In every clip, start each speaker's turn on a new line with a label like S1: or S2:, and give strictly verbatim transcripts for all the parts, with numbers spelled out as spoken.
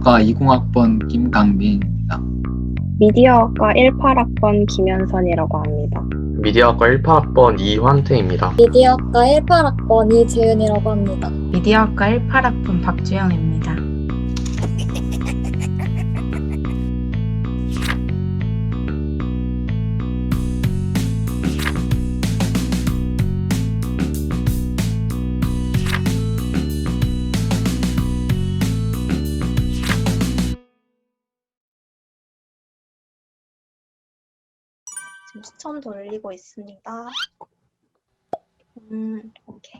S1: 미디어학과 이십 학번 김강민입니다.
S2: 미디어학과 십팔 학번 김현선이라고 합니다.
S3: 미디어학과 십팔 학번 이환태입니다.
S4: 미디어학과 십팔 학번 이재은이라고 합니다.
S5: 미디어학과 십팔 학번 박주영입니다.
S6: 지금 추천 돌리고 있습니다. 음, 오케이.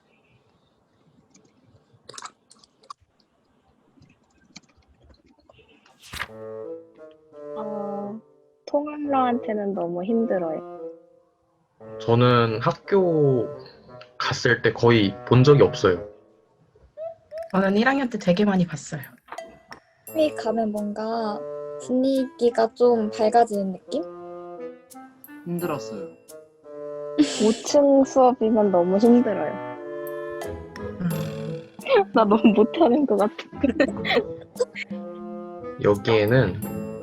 S2: 어, 통학로한테는 너무 힘들어요.
S3: 저는 학교 갔을 때 거의 본 적이 없어요.
S5: 저는 일 학년 때 되게 많이 봤어요.
S4: 회 가면 뭔가 분위기가 좀 밝아지는 느낌?
S1: 힘들었어요.
S2: 오 층 수업이면 너무 힘들어요.
S5: 음,
S2: 나 너무 못하는 것 같아.
S3: 여기에는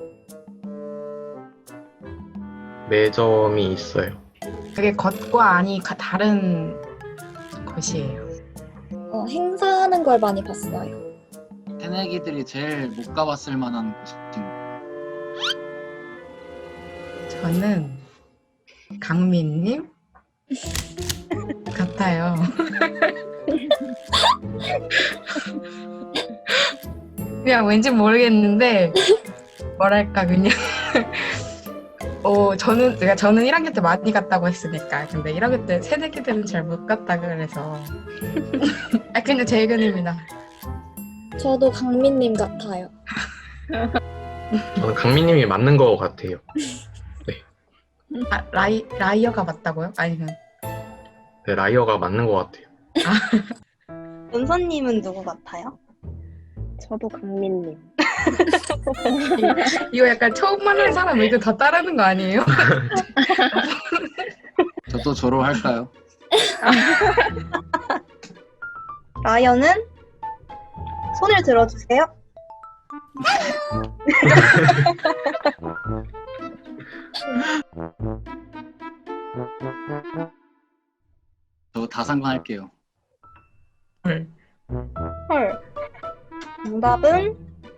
S3: 매점이 있어요.
S5: 그게 겉과 안이 가- 다른 것이에요.
S4: 어, 행사하는 걸 많이 봤어요.
S1: 새내기들이 제일 못 가봤을 만한 곳인
S5: 저는 강민님 같아요. 그냥 왠지 모르겠는데 뭐랄까 그냥 어 저는 그러니까 저는 일 학년 때 많이 갔다고 했으니까 근데 일 학년 때 새내기들은 잘 못 갔다 그래서 아 근데 제 의견입니다.
S4: 저도 강민님 같아요.
S3: 저는 강민님이 맞는 것 같아요.
S5: 아, 라이 라이어가 맞다고요? 아니면
S3: 네, 라이어가 맞는 것 같아요.
S6: 은서님은 누구 같아요?
S2: 저도 강민님.
S5: 이거 약간 처음 만난 사람 의견 다 따르는 거 아니에요?
S1: 저도 졸업할까요?
S6: 라이언은 손을 들어주세요.
S1: 저 다상관할게요.
S5: 헐.
S6: 헐. 정답은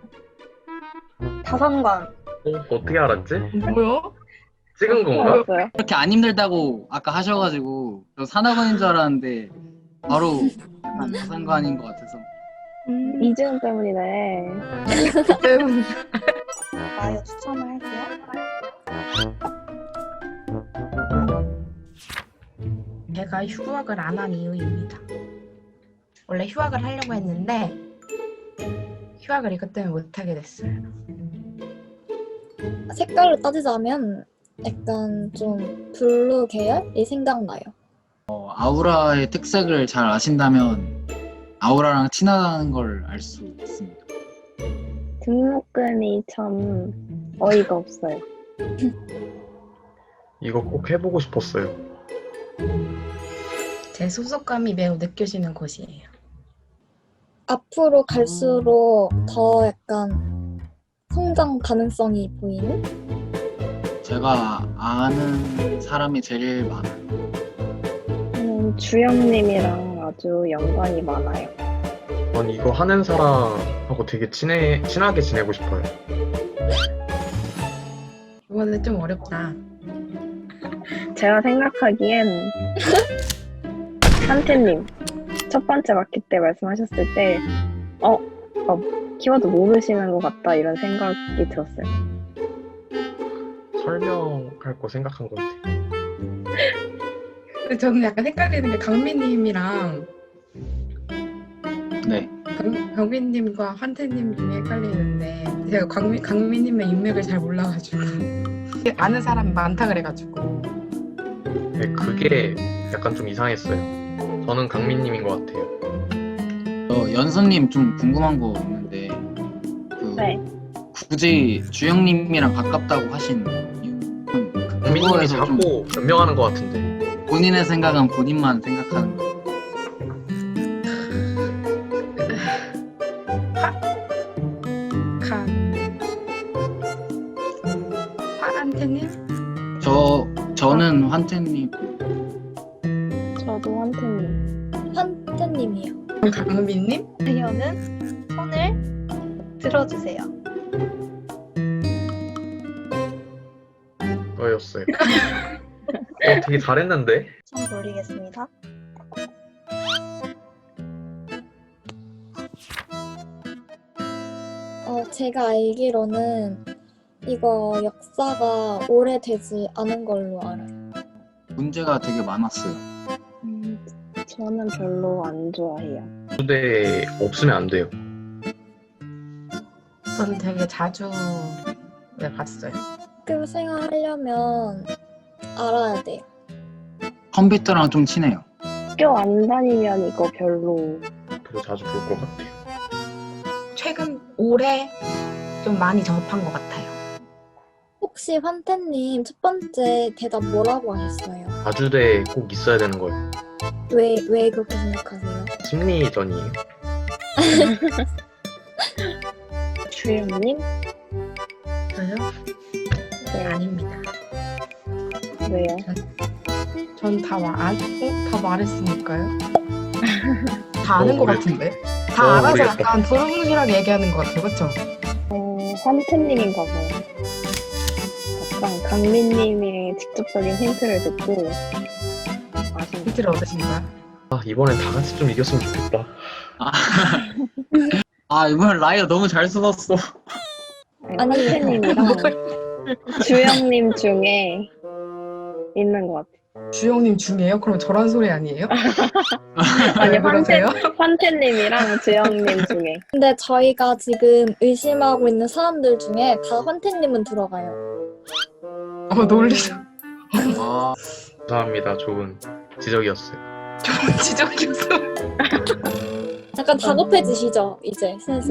S6: 다상관.
S3: 어, 어떻게 알았지?
S5: 뭐야?
S3: 찍은 건가?
S2: 알았어요.
S1: 그렇게 안 힘들다고 아까 하셔가지고 저 산학원인 줄 알았는데 바로 약간 다상관인 것 같아서.
S6: 음,
S2: 이재훈 때문이네.
S6: 라이어 추천을 할게요.
S5: 제가 휴학을 안 한 이유입니다. 원래 휴학을 하려고 했는데 휴학을 이것 때문에 못하게 됐어요.
S4: 색깔로 따지자면 약간 좀 블루 계열이 생각나요.
S1: 어, 아우라의 특색을 잘 아신다면 아우라랑 친하다는 걸 알 수 있습니다.
S2: 등록금이 참 어이가 없어요.
S3: 이거 꼭 해보고 싶었어요.
S5: 제 소속감이 매우 느껴지는 곳이에요.
S4: 앞으로 갈수록 더 약간 성장 가능성이 보이는?
S1: 제가 아는 사람이 제일 많아요.
S2: 저는 주영님이랑 아주 연관이 많아요.
S3: 전 이거 하는 사람하고 되게 친해, 친하게 지내고 싶어요.
S5: 이거는 좀 어렵다.
S2: 제가 생각하기엔 한태님 첫 번째 마켓 때 말씀하셨을 때 어, 어 키워드 모르시는 것 같다 이런 생각이 들었어요.
S3: 설명할 거 생각한 것 같아요.
S5: 근데 저는 약간 헷갈리는 게 강민님이랑
S1: 네.
S5: 강, 강민님과 환태님 중에 헷갈리는데 제가 강민, 강민님의 인맥을 잘 몰라가지고 아는 사람이 많다 그래가지고
S3: 네, 그게 약간 좀 이상했어요. 저는 강민님인 것 같아요.
S1: 저 연선님 좀 궁금한 거 있는데 그
S2: 네.
S1: 굳이 주영님이랑 가깝다고 하신 이유는
S3: 강민님이
S1: 그거에서 좀
S3: 자꾸 변명하는 것 같은데.
S1: 본인의 생각은 본인만 생각하는 거.
S5: 착한 파란테님?
S1: 저 저는 환태님.
S2: 저도 한테님.
S4: 한태님이요.
S5: 강민님?
S6: 라이언은 손을 들어주세요.
S3: 저였어요. 어, 되게 잘했는데?
S6: 손 돌리겠습니다.
S4: 어, 제가 알기로는 이거 역사가 오래되지 않은 걸로 알아요.
S1: 문제가 되게 많았어요.
S2: 음, 저는 별로 안 좋아해요.
S3: 근데 없으면 안 돼요.
S5: 전 되게 자주 네, 봤어요.
S4: 학교 생활하려면 알아야 돼요.
S1: 컴퓨터랑 좀 친해요.
S2: 학교 안 다니면 이거 별로.
S3: 더 자주 볼 것 같아요.
S5: 최근 올해 좀 많이 접한 것 같아요.
S4: 혹시 환태님 첫 번째 대답 뭐라고 하셨어요?
S3: 다주대에 꼭 있어야 되는 거예요.
S4: 왜, 왜 그렇게 생각하세요?
S3: 심리전이에요.
S2: 주영님?
S5: 저요?
S2: 네,
S5: 아닙니다.
S2: 왜요?
S5: 전 다 말, 아, 어? 다 말했으니까요. 다 아는
S3: 어,
S5: 것
S3: 모르겠-
S5: 같은데? 다
S3: 어,
S5: 알아서
S3: 모르겠다.
S5: 약간 두루뭉실하게 얘기하는 것 같아요. 그쵸?
S2: 어, 환태님인가 봐요. 약간 강민님의 직접적인 힌트를 듣고 아신 것
S5: 힌트를 얻으신 거야?
S3: 아, 이번엔 다 같이 좀 이겼으면 좋겠다.
S1: 아, 아 이번 라이어 너무 잘 써놨어.
S2: 같아요.
S4: 아니,
S2: 환태님이랑 주영님 중에 있는 것 같아요.
S5: 주영님 중에요? 그럼 저런 소리 아니에요?
S2: 아니,
S5: 왜
S2: 환태,
S5: 그러세요?
S2: 환태님이랑 주영님 중에.
S4: 근데 저희가 지금 의심하고 있는 사람들 중에 다 환태님은 들어가요.
S5: 어, 놀리죠.
S1: 아,
S3: 감사합니다. 좋은 지적이었어요.
S5: 좋은 지적이었어.
S4: 약간 다급해지시죠, 이제 슬슬.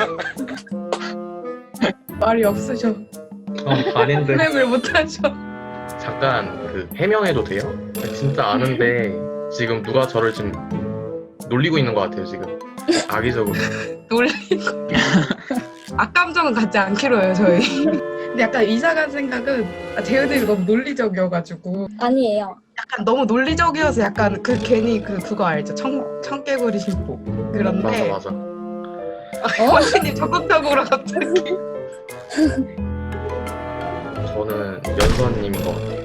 S5: 말이 없으셔.
S3: 아, 아닌데.
S5: 플랩을 못하셔.
S3: 잠깐 그 해명해도 돼요? 진짜 아는데 지금 누가 저를 지금 놀리고 있는 것 같아요. 지금 악의적으로.
S5: 놀리고. 악감정은 갖지 않기로 해요, 저희. 근데 약간 이상한 생각은 아, 재현이 너무 논리적이어가지고
S4: 아니에요.
S5: 약간 너무 논리적이어서 약간 그 괜히 그 그거 알죠? 청, 청개구리 신고.
S3: 맞아
S5: 그런데
S3: 맞아.
S5: 선생님 적극적으로 갑자기.
S3: 저는 연서님인 것 같아요.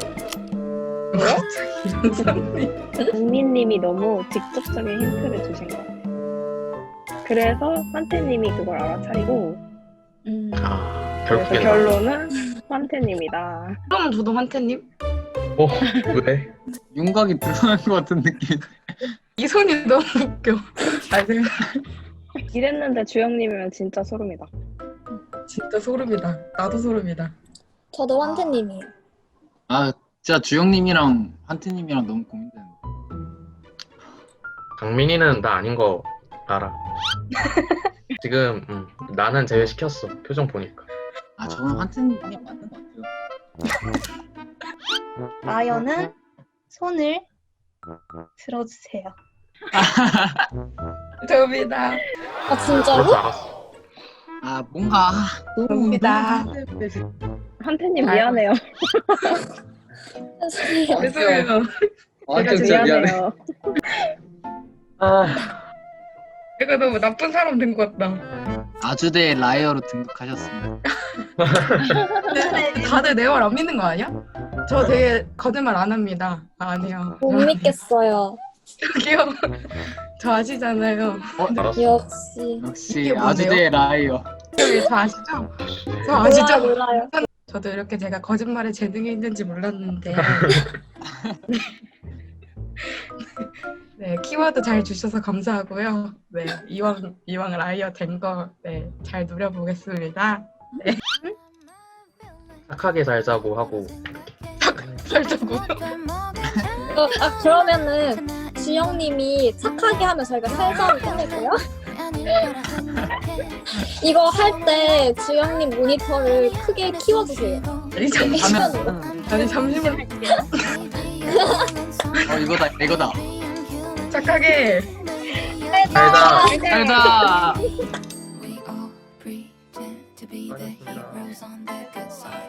S5: 갑자기 연사님.
S2: 강민님이 너무 직접적인 힌트를 주신 것 같아요. 그래서 환태님이 그걸 알아차리고
S4: 음.
S3: 아
S2: 그래서
S3: 결국엔
S2: 결론은 환태님이다.
S5: 그럼 저도 환태님?
S3: 나. 어 왜?
S1: 윤곽이 드러난 것 같은 느낌.
S5: 이 손이 너무 웃겨. 아, 생각
S2: 이랬는데 주영님이면 진짜 소름이다.
S5: 진짜 소름이다. 나도 소름이다.
S4: 저도 환태님이에요.
S1: 아, 진짜 주영님이랑 환태님이랑 너무 고민되는데.
S3: 강민이는 나 아닌 거 알아. 지금 음, 나는 제외시켰어. 표정 보니까.
S1: 아, 저는 환태님이 맞는 것 같아요.
S6: 라이언은 손을 들어주세요.
S5: 접니다.
S4: 아,
S3: 그럴
S4: 진짜로?
S3: 줄 알았어.
S1: 아, 뭔가 너무
S5: 접니다.
S2: 환태님
S5: 아이고.
S2: 미안해요.
S4: 죄송해요.
S5: 죄송해요.
S1: 아,
S5: 제가
S1: 진짜 미안해.
S2: 미안해요.
S3: 아
S5: 내가 너무 나쁜 사람 된 것 같다.
S1: 아주대 라이어로 등극하셨습니다.
S5: 다들 내 말 안 믿는 거 아니야? 저 되게 거짓말 안 합니다. 아, 아니요.
S4: 못 믿겠어요.
S5: 저기요. 저 아시잖아요.
S1: 어,
S3: 알았어.
S4: 역시.
S1: 역시
S5: 이게 뭔데요?
S1: 아주대 라이어.
S5: 저기 저 아시죠? 저
S4: 몰라요,
S5: 아시죠?
S4: 몰라요.
S5: 저도 이렇게 제가 거짓말에 재능이 있는지 몰랐는데. 네, 키워드 잘 주셔서 감사하고요. 네, 이왕 이왕 라이어 된 거 네, 잘 누려보겠습니다.
S3: 착하게 살자고 하고
S5: 살자고.
S4: 어, 아, 그러면은 주영님이 착하게 하면 저희가 살살을 끝낼게요. 이거 할 때 주영님 모니터를 크게 키워주세요.
S5: 아니 잠시만.
S4: 시간으로.
S5: 아니 잠시만.
S1: 어, 이거다, 이거다.
S5: 착하게.
S3: 살자.
S1: 살자.
S7: We all pretend
S3: 수고하셨습니다.